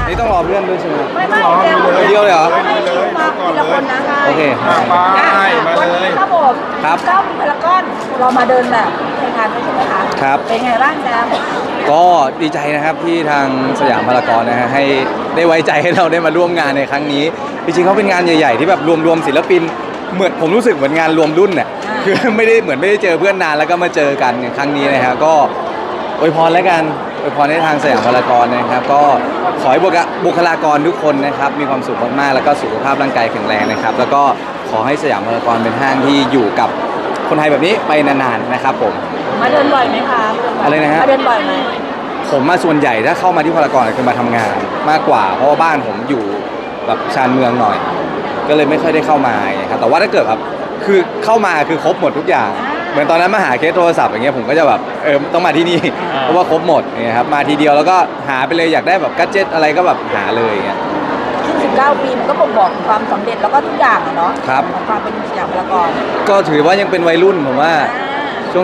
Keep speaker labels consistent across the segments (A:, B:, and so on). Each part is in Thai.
A: นี่ต้องรอเพื่อนด้วยใช่ไหม
B: ไม่
A: เดียวเลยเหรอ
B: ให้คิวมาทีละคนนะ
A: โอเค
B: วันนี้ครับผม
A: ครับ
B: เจ้าพารากอนเรามาเดินแบบในงานด้วยใช่ไหมคะ
A: ครับ
B: เป็นไงบ้างแจม
A: ก็ดีใจนะครับที่ทางสยามพารากอนนะฮะให้ได้ไว้ใจให้เราได้มาร่วมงานในครั้งนี้จริงๆเขาเป็นงานใหญ่ๆที่แบบรวมศิลปินเหมือนผมรู้สึกเหมือนงานรวมรุ่นเนี่ยคือไม่ได้เจอเพื่อนนานแล้วก็มาเจอกันในครั้งนี้นะฮะก็อวยพรแล้วกันอวยพรให้ทางสยามพารากอนนะครับก็ขอให้บุคลากรทุกคนนะครับมีความสุขมากๆแล้วก็สุขภาพร่างกายแข็งแรงนะครับแล้วก็ขอให้สยามพารากอนเป็นห้างที่อยู่กับคนไทยแบบนี้ไปนานๆนะครับผม
B: มาเดินบ่อยไหมคะ
A: อะไรนะฮะ
B: มาเดินบ่อยไหม
A: ผมมาส่วนใหญ่ถ้าเข้ามาที่พารากอนคือมาทำงานมากกว่าเพราะว่าบ้านผมอยู่แบบชานเมืองหน่อย ก็เลยไม่ค่อยได้เข้ามาครับแต่ว่าถ้าเกิดแบบคือเข้ามาคือครบหมดทุกอย่าง เหมือนตอนนั้นมาหาเคสโทรศัพท์อย่างเงี้ยผมก็จะแบบต้องมาที่นี่เพราะว่าครบหมดเนี่ยครับมาทีเดียวแล้วก็หาไปเลยอยากได้แบบกัจเจ็ตอะไรก็แบบหาเลยอย่างเงี้ย
B: ซึ่ง19 ปีมันก็บ่งบอกถึงความสำเร็จแล้วก็ทุกอย่างอะเนาะ
A: ครับ
B: ของความเป็นสยามพารากอน
A: ก็ถือว่ายังเป็นวัยรุ่นผมว่าช่วง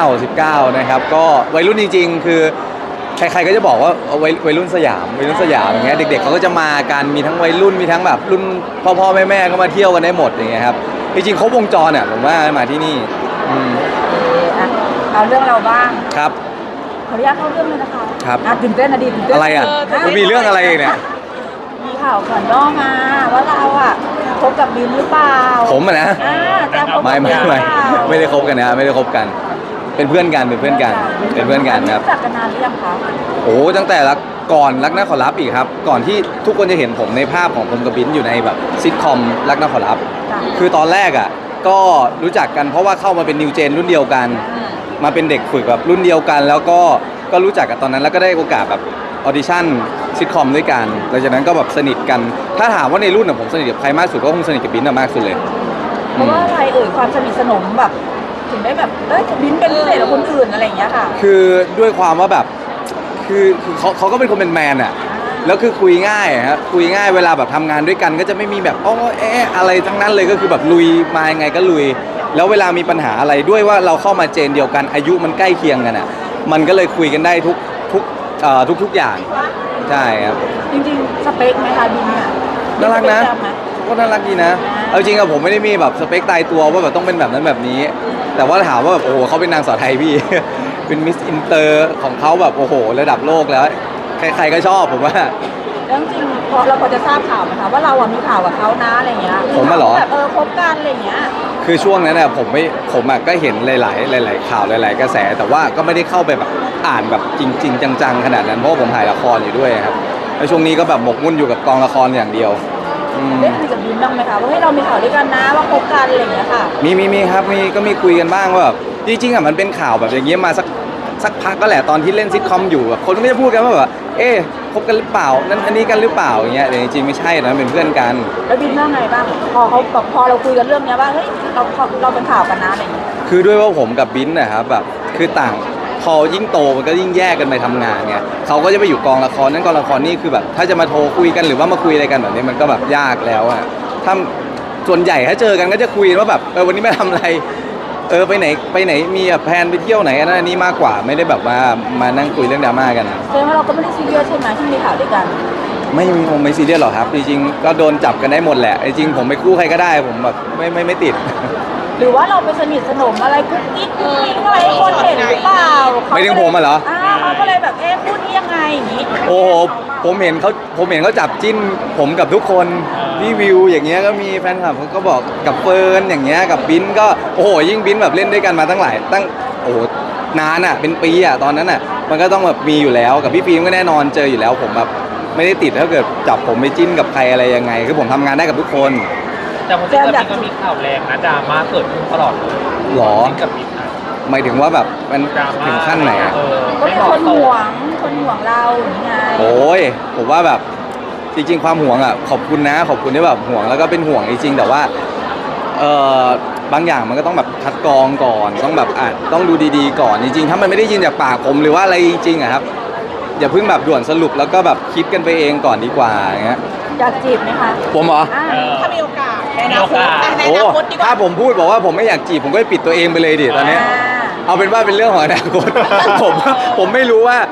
A: 19นะครับก็วัยรุ่นจริงๆ คือใครๆก็จะบอกว่าวัยรุ่นสยามอย่างเงี้ยเด็กๆเขาก็จะมากันมีทั้งวัยรุ่นมีทั้งแบบรุ่นพ่อๆแม่ๆก็มาเที่ยวกันได้หมดอย่างเงี้ยครับจริงๆครบวงจรเนี่ยผมว่ามาที่นี่
B: อ่ะเอาเรื่องเราบ้าง
A: ครับ
B: ขออนุญาตเข้าเรื่องเลยนะคะ
A: ครับ
B: ตื่นเต้นนะดีตื่นเต้น
A: อะไรอ่ะมันมีเรื่องอะไรอีกเนี่ย
B: มีข่าวก่อนย่อมาว่าเราอ่ะคบกับบินหรือเปล่า
A: ผมอะนะ
B: แจมคบกับ
A: ไม่
B: บินหรือเปล่า
A: ไม่ได้คบกันนะไม่ได้คบกันเป็นเพื่อนกันครับ
B: รู้จักกันนานหรือยังคะ
A: โอ้ตั้งแต่ก่อนรักน่าขอรับอีกครับก่อนที่ทุกคนจะเห็นผมในภาพของผมกับบิ้นอยู่ในแบบซิทคอมรักน่าขอรับ คือตอนแรกอ่ะก็รู้จักกันเพราะว่าเข้ามาเป็นนิวเจนรุ่นเดียวกัน มาเป็นเด็กฝึกแบบรุ่นเดียวกัน แล้วก็รู้จักกันตอนนั้นแล้วก็ได้โอกาสแบบออดิชั่นซิทคอมด้วยกันหลังจากนั้นก็แบบสนิทกันถ้าถามว่าในรุ่นผมสนิทกับใครมากสุดก็คงสนิทกับบิ้นมากสุดเลย
B: เพราะว่าอะไรความสนิทสนมแบบถึงได้แบบบินเป็นพิเศษกว่าคนอื่นอะไรอย่างเงี้ยค่ะ
A: คือด้วยความว่าแบบคือเขาก็เป็นคนเป็นแมนอะแล้วคือคุยง่ายครับคุยง่ายเวลาแบบทำงานด้วยกันก็จะไม่มีแบบอะไรทั้งนั้นเลยก็คือแบบลุยมายังไงก็ลุย แล้วเวลามีปัญหาอะไรด้วยว่าเราเข้ามาเจนเดียวกันอายุมันใกล้เคียงกันอะมันก็เลยคุยกันได้ทุกอย่างใช่ครับ
B: จริงๆสเปคไหมคะบินเนี่ย
A: น่ารักนะ
B: สเปคแจมไหม
A: ก็น่ารักดีนะเอาจริงอะผมไม่ได้มีแบบสเปคตายตัวว่าแบบต้องเป็นแบบนั้นแบบนี้ แต่ว่าถามว่าแบบโอ้โหเขาเป็นนางสาวไทยพี่ เป็นมิสอินเตอร์ของเขาแบบโอ้โหระดับโลกแล้วใครๆก็ชอบผมว่า
B: แล้วจริงๆเราพอจะทราบข่าวไหมคะว่าเราอะมีข่าวกับเขานะอะไรเงี้ย
A: ผมอะเหรอ
B: แบบคบกันอะไรเงี้ย
A: คือช่วงนั้นน่ะผมอะก็เห็นหลายข่าวหลายๆกระแส แต่ว่าก็ไม่ได้เข้าไปแบบอ่านแบบจริงๆจังๆขนาดนั้นเพราะว่าผมถ่ายละครอยู่ด้วยครับแล้วช่วงนี้ก็แบบหมกมุ่นอยู่กับกองละครอย่างเดียวอืม
B: ได้คุยกับบินบ้างไหมคะว่าให้เรามีข่าวด้วยกันนะว่าคบกันอะไรเงี้ยค่ะ
A: มีครับก็มีคุยกันบ้างว่าแบบจริงๆอะมันเป็นข่าวแบบอย่างเงี้ยมาสักพักก็แหละตอนที่เล่นซิทคอมอยู่แบบคนก็ไม่ได้พูดกันว่าแบบคบกันหรือเปล่านั้นอันนี้กันหรือเปล่าอย่างเงี้ยแต่จริงๆไม่ใช่นะเป็นเพื่อนกัน
B: แล้วบินว่าไงบ้างพอเราคุยกันเรื่องเนี้ยว่าเฮ้ยเราเป็นข่าวกันนะอะไรเงี้ย
A: คือด้วยว่าผมกับบิ้นนะครับแบบคือต่างพอยิ่งโตมันก็ยิ่งแยกกันไปทำงานไงเขาก็จะไปอยู่กองละครนั้นกองละครนี่คือแบบถ้าจะมาโทรคุยกันหรือว่ามาคุยอะไรกันแบบนี้มันก็แบบยากแล้วอะถ้าส่วนใหญ่ถ้าเจอกันก็จะคุยว่าแบบวันนี้ไม่ทำอะไรไปไหนมีแบบแพลนไปเที่ยวไหนอันนั้นอันนี้มากกว่าไม่ได้แบบว่ามานั่งคุยเรื่องดราม่ากัน
B: แสดงว่าเราก็ไม่ได้ซีเรียสใช่ไหมที่มีข่าวด้วยกัน
A: ผมไม่ซีเรียสหรอกครับจริงๆก็โดนจับกันได้หมดแหละจริงๆผมไปคู่ใครก็ได้ผมแบบไม่ติด
B: หรือว่าเราไปสนิทสนมอะไรกุ๊กกิ๊กอะไรให้คนเห็นหรือเปล่า
A: ไม่ถึงผมอะเหรอ
B: เขาก็เลยแบบพูดนี้ยังไงอย่างนี้
A: โอ้โหผมเห็นเขาจับจิ้นผมกับทุกคนพี่วิวอย่างเงี้ยก็มีแฟนคลับเขาก็บอกกับเฟิร์นอย่างเงี้ยกับบิ้นก็โอ้โหยิ่งบิ้นแบบเล่นด้วยกันมาตั้งโอ้โหนานอ่ะเป็นปีอ่ะตอนนั้นอ่ะมันก็ต้องแบบมีอยู่แล้วกับพี่ฟิล์มก็แน่นอนเจออยู่แล้วผมแบบไม่ได้ติดถ้าเกิดจับผมไปจิ้นกับใครอะไรยังไงคือผมทำงานได้กับทุกคน
C: แต่ผมว่ามันก็มีข่าวแรงนะดราม่าเกิดขึ้นตลอดเลย
A: หรอ
C: กับมิตรนะ
A: หมายถึงว่าแบบมัน
C: ดราม่า
A: ถึงขั้นไหนอ่ะ
B: ก็มีคนห่วงเราอย่างไง
A: โอ้ยผมว่าแบบจริงๆความห่วงอ่ะขอบคุณที่แบบห่วงแล้วก็เป็นห่วงจริงๆแต่ว่าบางอย่างมันก็ต้องแบบคัดกรองก่อนต้องแบบต้องดูดีๆก่อนจริงๆถ้ามันไม่ได้ยินจากปากผมหรือว่าอะไรจริงๆอะครับอย่าเพิ่งแบบด่วนสรุปแล้วก็แบบคิดกันไปเองก่อนดีกว่าอย่างเงี้ย
B: อยากจีบไหมคะ
A: ผมเหรอ
B: ถ้ามีโอกาสในอ
C: มี
B: นา
C: โอ
B: คต
C: กาส
B: ใน
A: โอ้
B: อนาคตดีกว่า
A: ถ้าผมพูดบอกว่าผมไม่อยากจีบผมก็ไปปิดตัวเองไปเลยดิตอนเนี้ย เอาเป็นว่าเป็นเรื่องของอนาคต ผมไม่รู้ว่า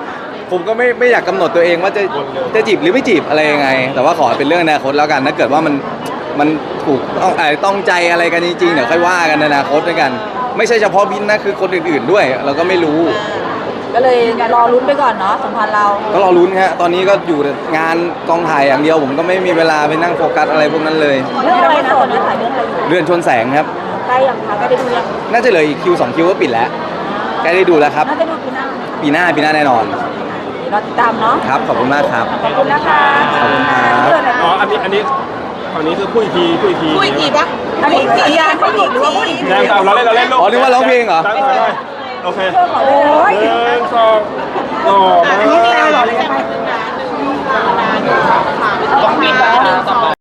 A: ผมก็ไม่อยากกำหนดตัวเองว่าจะจีบหรือไม่จีบอะไรยังไง แต่ว่าขอเป็นเรื่องอนาคตแล้วกันถ้าเกิดว่ามันถูกต้องใจอะไรกันจริงๆเดี๋ยวค่อยว่ากันในอนาคตด้วยกัน ไม่ใช่เฉพาะบินนะคือคนอื่นๆด้วย เราก็ไม่รู้
B: ก็เลยรอลุ้นไปก่อนเนาะสัมพันธ์เรา
A: ก็รอลุ้นฮะตอนนี้ก็อยู่งานกองถ่ายอย่างเดียว ผมก็ไม่มีเวลาไปนั่งโฟกัสอะไรพวกนั้นเลย
B: เรื่องอะไรนะตอนนี้ถ่ายเรื่องอะไรอยู่
A: เรือนชนแสงครับ
B: ใกล้ยังคะใกล้ได้ดูยัง
A: น่าจะเหลืออีกคิว2คิวก็ปิดแล้วใกล้ได้ดูแล้วครับ
B: น่าจะดูปีหน้า
A: ปีหน้าแน่นอน
B: รอติดตามเนาะ
A: ครับขอบคุณมากครับ
B: ขอบคุณนะคะ
A: ขอบคุณครับ
B: เพื่อนอะไร
D: อ๋อ อันนี้ฝั่งนี้คือพูดอีกที
B: พูดอีกทีปะอันนี้สัญญาณเขาอีกหรือว่าพูดอีกที
D: แรงเอาเราเล่นลูก
A: อ๋อนึกว่าร้องเพลงเหรอ
D: ตั้งใจได้โอเค
B: โอ้ย
D: หนึ่งสองต่อมา
B: อันนี้ไม่เอาหรอเลยกันไป
C: ต้องมีการ